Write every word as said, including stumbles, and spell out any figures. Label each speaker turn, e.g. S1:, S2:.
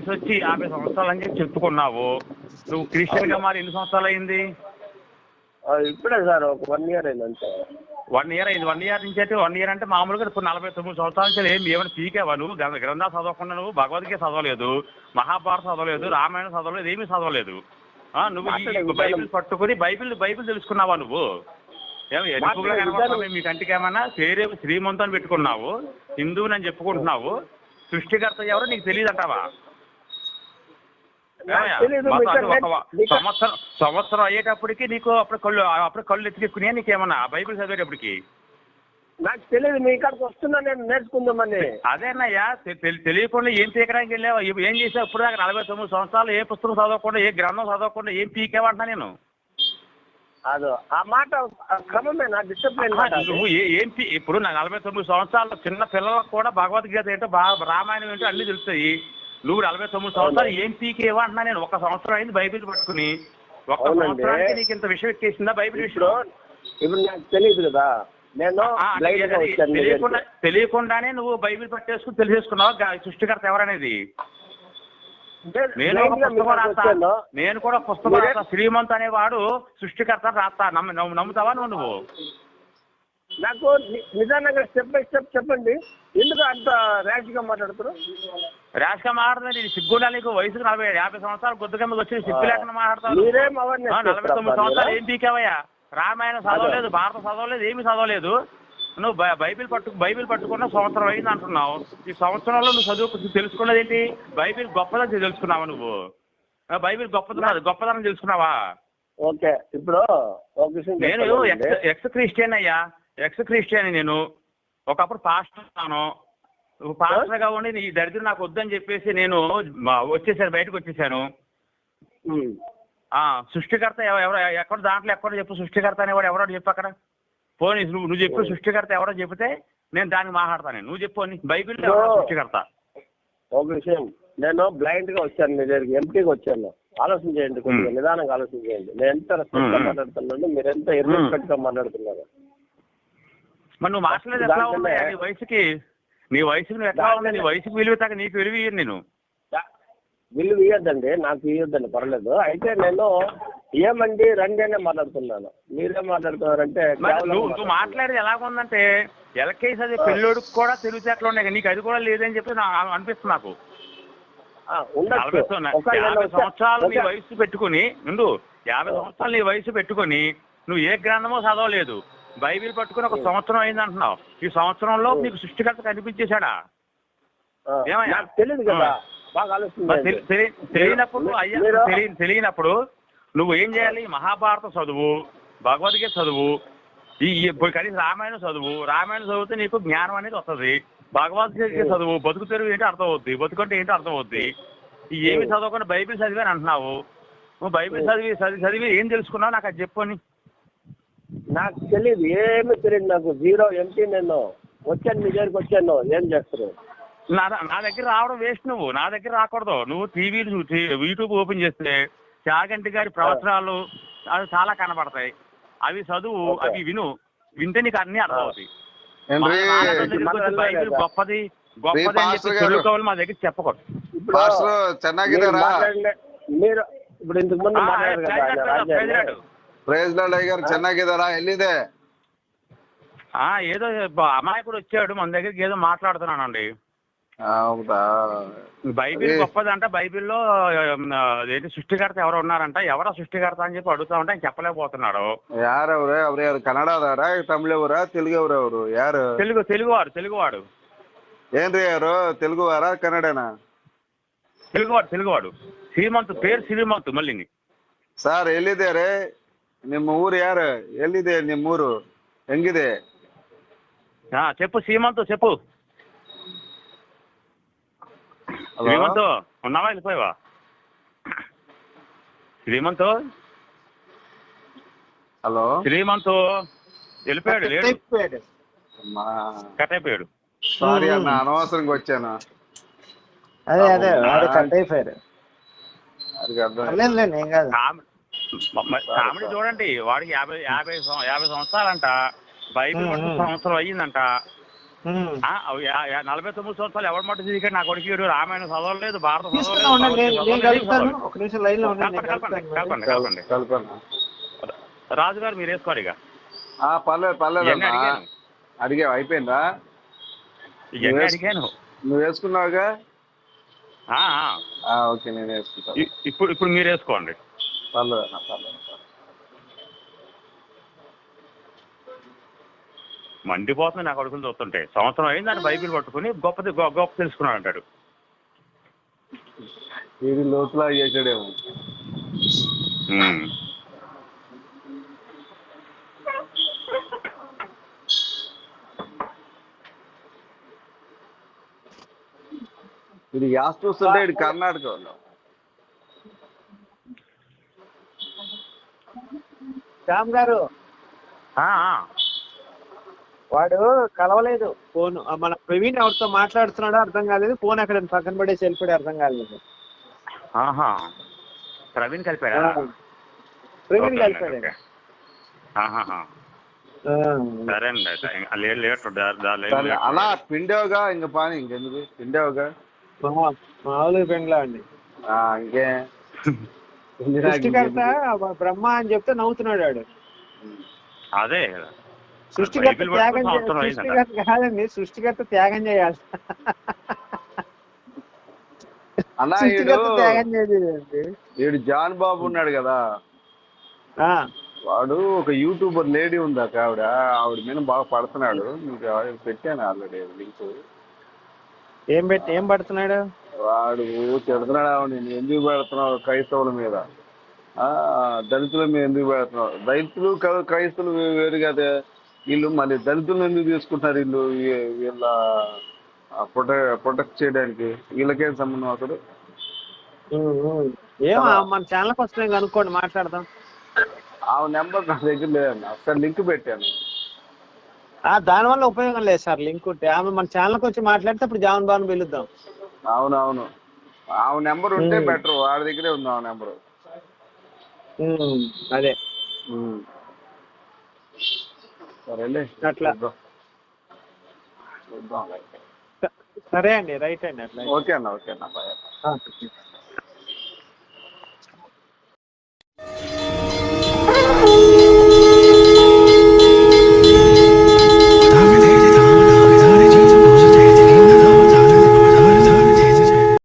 S1: వయసు వచ్చి యాభై సంవత్సరాలు అని చెప్పి చెప్పుకున్నావు. నువ్వు క్రిస్టియన్ గా మరి ఎన్ని సంవత్సరాలు అయింది?
S2: ఇప్పుడే సార్ ఒక వన్ ఇయర్ అయింది అంతే.
S1: వన్ ఇయర్ అయింది. వన్ ఇయర్ నుంచి అయితే వన్ ఇయర్ అంటే మామూలుగా ఇప్పుడు నలభై తొమ్మిది సంవత్సరాల నుంచి ఏమి ఏమైనా పీకేవా నువ్వు? గ్రంథాలు చదవకుండా నువ్వు భగవద్గీత చదవలేదు, మహాభారత చదవలేదు, రామాయణం చదవలేదు, ఏమీ చదవలేదు. నువ్వు బైబిల్ పట్టుకుని బైబిల్ బైబిల్ తెలుసుకున్నావా నువ్వు? ఏమి ఎరుపుగా కనబడుతున్నావు మీ కంటికి? ఏమన్నా పేరే శ్రీమంతం పెట్టుకున్నావు, హిందువుని అని చెప్పుకుంటున్నావు, సృష్టికర్త ఎవరో నీకు తెలియదు అంటావా? సంవత్సరం సంవత్సరం అయ్యేటప్పటికి నీకు అప్పుడు కళ్ళు అప్పుడు కళ్ళు ఎత్తుకెక్కున్నాయా నీకేమన్నా బైబిల్ చదివేటప్పటికి?
S2: నాకు తెలియదు, మీ ఇక్కడికి వస్తున్నా నేను నేర్చుకుందామని.
S1: అదేనయ్యా, తెలియకుండా ఏం పీకడానికి వెళ్ళావా? ఏం చేసావు ఇప్పుడు దాకా? నలభై తొమ్మిది సంవత్సరాలు ఏ పుస్తకం చదవకుండా, ఏ గ్రంథం చదవకుండా ఏం పీకేవంటున్నా నేను?
S2: అదో ఆ మాట క్రమమే నా డిసిప్లిన్.
S1: నువ్వు ఏం ఇప్పుడు నా నలభై తొమ్మిది సంవత్సరాలు చిన్న పిల్లలకు కూడా భగవద్గీత ఏంటో రామాయణం ఏంటో అన్ని తెలుస్తాయి. నువ్వు నలభై తొమ్మిది సంవత్సరాలు ఏం పీకేవా అంటున్నా నేను. ఒక సంవత్సరం అయింది బైబిల్ పట్టుకుని, ఒక్క సంవత్సరానికి నీకు ఇంత విషయం ఎక్కేసిందా బైబిల్ విషయం?
S2: ఇప్పుడు నాకు తెలియదు కదా, నేను
S1: తెలియకుండా తెలియకుండానే నువ్వు బైబిల్ పట్టేసుకుని తెలిసేసుకున్నావు సృష్టికర్త ఎవరనేది. నేను ఒక పుస్తకం రాస్తా, నేను కూడా పుస్తకం రాస్తా, శ్రీమంత్ అనేవాడు సృష్టికర్త రాస్తా. నమ్ము నమ్ముతావా నువ్వు? నువ్వు
S2: నాకు నిజానంగా స్టెప్ బై స్టెప్ చెప్పండి, ఎందుకు అంత ర్యాష్ గా మాట్లాడుతున్నారు?
S1: ర్యాష్ గా మాట్లాడుతుంది నీకు సిగ్గుండా? నీకు వయసుకు నలభై యాభై సంవత్సరాలు గుద్దుగా వచ్చి సిగ్గు లేకుండా మాట్లాడతావు. నలభై తొమ్మిది సంవత్సరాలు ఏం పీకావయ్యా? రామాయణం చదవలేదు, భారతం చదవలేదు, ఏమి చదవలేదు. నువ్వు బైబిల్ పట్టు బైబిల్ పట్టుకున్న సంవత్సరం అయింది అంటున్నావు. ఈ సంవత్సరంలో నువ్వు చదువు తెలుసుకున్నది ఏంటి? బైబిల్ గొప్పదని తెలుసుకున్నావా నువ్వు? బైబిల్ గొప్పది గొప్పదనం తెలుసుకున్నావా?
S2: ఓకే, ఇప్పుడు
S1: నేను ఎక్స్ ఎక్స్ క్రిస్టియన్ అయ్యా, ఎక్స్ క్రిస్టియన్. నేను ఒకప్పుడు పాస్టర్ ఉన్నాను. పాస్టర్గా ఉండి నీ దరిద్రం నాకు వద్దని చెప్పేసి నేను వచ్చేసాను, బయటకు వచ్చేసాను. సృష్టికర్త ఎవరో ఎక్కడ దాంట్లో ఎక్కడో చెప్పు, సృష్టికర్త అనేవాడు ఎవరో చెప్పు అక్కడ. పోనీ నువ్వు నువ్వు చెప్పు సృష్టికర్త ఎవరో చెప్తే నేను దానికి మాట్లాడతాను. నువ్వు చెప్పు అని బైబిల్ ఎవరో సృష్టికర్త.
S2: ఒక విషయం, నేను బ్లైండ్ గా వచ్చాను, మీ దగ్గరికి ఎంపీగా వచ్చాను. ఆలోచన చేయండి, కొంచెం నిదానంగా ఆలోచన చేయండి. నేను ఎంత రెస్పెక్ట్ గా మాట్లాడుతున్నాను, మీరు ఎంత ఇర్రెస్పెక్ట్ గా మాట్లాడుతున్నారు.
S1: మరి నువ్వు మాట్లాడేది ఎట్లా ఉంది? నీ వయసుకి నీ వయసుకి నువ్వు ఎట్లా ఉంది? నీ వయసుకి విలువ తాక నీకు విలువ ఇయ్యను నేను.
S2: విలువ ఇయ్యొద్దండి, నాకు ఇయ్యొద్దండి, పర్లేదు. అయితే నేను ఏమండి రండి అనే మాట్లాడుతున్నాను, మీరేం మాట్లాడుతున్నారంటే.
S1: నువ్వు మాట్లాడేది ఎలాగుందంటే ఎల్కేజీ అది పెళ్ళోడికి కూడా తెలివితేటలు ఉన్నాయి, నీకు అది కూడా లేదని చెప్పి నాకు అనిపిస్తుంది. నాకు యాభై సంవత్సరాలు నీ వయసు పెట్టుకుని నుండు యాభై సంవత్సరాలు నీ వయసు పెట్టుకుని నువ్వు ఏ గ్రంథమో చదవలేదు, బైబిల్ పట్టుకుని ఒక సంవత్సరం అయింది అంటున్నావు. ఈ సంవత్సరంలో నీకు సృష్టికర్త కనిపించేశాడా? ఏమయ్యా
S2: తెలియదు కదా,
S1: తెలియనప్పుడు అయ్యా తెలియనప్పుడు నువ్వు ఏం చేయాలి? మహాభారతం చదువు, భగవద్గీత చదువు, ఈ ఇప్పుడు కనీసం రామాయణం చదువు. రామాయణం చదివితే నీకు జ్ఞానం అనేది వస్తుంది. భగవద్గీత చదువు, బతుకు తెరువు ఏంటో అర్థం అవుద్ది, బతుకంటే ఏంటో అర్థం అవుద్ది. ఈ ఏమి చదవకుండా బైబిల్ చదివి అని అంటున్నావు. నువ్వు బైబిల్ చదివి చదివి చదివి ఏం తెలుసుకున్నావు నాకు అది చెప్పు అని.
S2: నాకు తెలియదు, ఏమీ తెలియదు నాకు, జీరో ఎంటీ. నేను వచ్చాను, మీ దగ్గరికి వచ్చాను, ఏం చేస్తారు?
S1: నా నా దగ్గర రావడం వేస్ట్. నువ్వు నా దగ్గర రాకూడదు. నువ్వు టీవీ యూట్యూబ్ ఓపెన్ చేస్తే చాగంటి గారి ప్రవచనాలు అవి చాలా కనబడతాయి. అవి చదువు, అవి విను. వింటే నీకు అన్ని అర్థం అవుతాయి. బైబిల్ గొప్పది గొప్పది అని చెప్పి చదువుకోవాలి మా దగ్గర చెప్పకూడదు.
S2: మీరు ఇప్పుడు ఇంతకు ముందు
S3: ಚೆನ್ನಾಗಿದ್ದಾರಾ? ಎಲ್ಲಿದೆ?
S1: ఏదో అమాయకుడు వచ్చాడు మన దగ్గరికి, ఏదో మాట్లాడుతున్నానండి.
S3: ಹೌದಾ?
S1: బైబిల్ గొప్పదంట, బైబిల్లో ఏంటి సృష్టికర్త ఎవరు ఉన్నారంట, ఎవరో సృష్టికర్త అని చెప్పి అడుగుతా ఉంటే ఆయన చెప్పలేకపోతున్నాడు.
S3: ಯಾರವ್ರೆ? ಅವ್ರು ಯಾರು ಕನ್ನಡದವರ, ತಮಿಳವರ, ತೆಲುಗವ್ರ? ಅವರು ಯಾರು?
S1: తెలుగు తెలుగువాడు తెలుగువాడు
S3: ಏನ್ರಿ ಅವರು? తెలుగువారా ಕನ್ನಡನಾ?
S1: తెలుగువాడు తెలుగువాడు ಶ್ರೀಮಂತ್ పేరు ಶ್ರೀಮಂತ್. మళ్ళీ
S3: సార్ ಎಲ್ಲಿದ್ದಾರೆ? ನಿಮ್ಮ ಊರು ಯಾರು? ಎಲ್ಲಿದೆ ನಿಮ್ಮೂರು? ಹೆಂಗಿದೆ?
S1: చెప్పు శ్రీమంత్, చెప్పు. శ్రీమంత్ ఉన్నావా? వెళ్ళిపోయావా? శ్రీమంత్
S3: హలో?
S1: శ్రీమంత్ వెళ్ళిపోయాడు, కట్ అయిపోయాడు.
S3: సారీ అన్న, అనవసరంగా వచ్చాను.
S2: అదే అదే కట్ అయిపోయాడు.
S1: కామెడీ చూడండి, వాడికి యాభై యాభై యాభై సంవత్సరాలంట, బైబిల్ సంవత్సరం అయ్యిందంట. ఆ, యా- యా- నలభై తొమ్మిది సంవత్సరాలు ఎవరి మట్టు తిరిగాడు నా కొడుకు వీడు రామాయణం చదవలేదు భారత
S4: తీసుకున్నా ఉండండి, నేను నేను కలుపుతాను. ఒక నిమిషం లైన్ లో ఉండండి, నేను
S1: కలపండి
S4: కలుపుతాను.
S1: కలపండి
S3: కల్-
S1: కలపండి
S3: కలపన్నా.
S1: రాజు గారు మీరు వేసుకోవాలి ఇక
S3: ఆ, పర్లేదు పర్లేదు
S1: ఇవన్నీ
S3: అన్నా.
S1: అడిగాను
S3: అడిగావు అయిపోయిందా?
S1: ఇవన్నీ అడిగాను
S3: నువ్వు వేసుకున్నావుగా?
S1: ఆ, ఆ.
S3: ఆ, ఓకే నేను వేసుకుంటాను.
S1: ఇ- ఇప్పుడు ఇప్పుడు మీరు వేసుకోండి
S3: పర్లేదు అన్న పర్లేదు.
S1: మండిపోతుంది నా కొడుకులు చూస్తుంటే సంవత్సరం అయింది దాన్ని బైబిల్ పట్టుకుని గొప్పది గొ- గొప్ప తెలుసుకున్నాడు అంటాడు.
S3: వీడి లోతులా చేసాడేమో.
S1: ఉమ్.
S3: ఇది యాస్ చూస్తుంటే ఇది కర్ణాటక వాళ్ళు.
S4: శ్యామ్ గారు
S1: ఆ, ఆ.
S4: వాడు కలవలేదు ఫోన్. మన ప్రవీణ్ ఎవరితో మాట్లాడుతున్నాడో అర్థం కాలేదు, ఫోన్ అక్కడ పక్కన పడేసి వెళ్ళిపోయి అర్థం కాలేదు.
S1: ఆహా ప్రవీణ్ కలిపాడా?
S4: ప్రవీణ్
S1: ఓకే అండి,
S4: కలిపాడు.
S1: ఓకే. ఆహాహా. సరే అండి అయితే ఇంకా లేట్ లేట్ దా- దా- లేట్
S3: సరే
S1: లేట్.
S3: అలా పిండేవుగా ఇంక పాని ఇంకెందుకు పిండేవుగా.
S4: మామూలు పెండ్లా అండి.
S3: ఆ, ఇంకే పిండినాక
S4: సృష్టికర్త
S3: ఇంకెందుకు?
S4: బ్రహ్మ అని చెప్తే నవ్వుతున్నాడు వాడు.
S1: అదే
S4: సృష్టికర్త
S1: బైబిల్
S4: త్యాగం
S1: పట్టుకుని
S4: చే-
S1: సంవత్సరం అయిందంట.
S4: సృష్టికర్త కాదండి, సృష్టికర్త త్యాగం చేయాలి.
S3: అన్నా ఈడు
S4: సృష్టికర్త త్యాగం చేయలేదండి.
S3: ఈడు జాన్ బాబు ఉన్నాడు కదా,
S4: ఆ,
S3: వాడు ఒక యూట్యూబర్ లేడీ ఉంది అక్క, ఆవిడ ఆవిడ మీద బాగా పడుతున్నాడు. మీకు ఆవిడ పెట్టాను ఆల్రెడీ లింక్.
S4: ఏం పెట్టి ఏం పడుతున్నాడు?
S3: వాడు తిడుతున్నాడు ఆవిడ, నేను ఎందుకు పెడుతున్నావు క్రైస్తవుల మీద, ఆ దళితుల మీద ఎందుకు పెడుతున్నావు. దళితులు క- క్రైస్తవులు వే- వేరు కదా, వీళ్ళు మళ్ళీ దళితులను ఎందుకు తీసుకుంటారు వీళ్ళు, వీ- వీళ్ళ ప్రొటెక్ట్ ప్రొటెక్ట్ చేయడానికి వీళ్ళకేం సంబంధం అసలు.
S4: ఉమ్, ఉమ్. ఏమో మన ఛానల్కి వస్తే కనుక్కోండి, మాట్లాడదాం.
S3: ఆ నెంబర్ నా దగ్గర లేదన్న, ఒకసారి లింక్ పెట్టాను.
S4: ఆ దానివల్ల ఉపయోగం లేదు సార్, లింక్ ఉంటే. ఆమె మన ఛానల్కి వచ్చి మాట్లాడితే అప్పుడు జాన్ బాబుని పిలుద్దాం.
S3: అవునవును, ఆ నెంబర్ ఉంటే
S4: ఉమ్.
S3: బెటర్, వాడి దగ్గరే ఉంది ఆ నెంబరు.
S4: ఉమ్, అదే
S3: సరేలే
S4: అట్లా.
S3: చూద్దాం. చూద్దాం.
S4: సరే అండి, రైట్ అండి అట్లా.
S3: ఓకే అన్న, ఓకే అన్న, బాయ్.
S4: ఆ.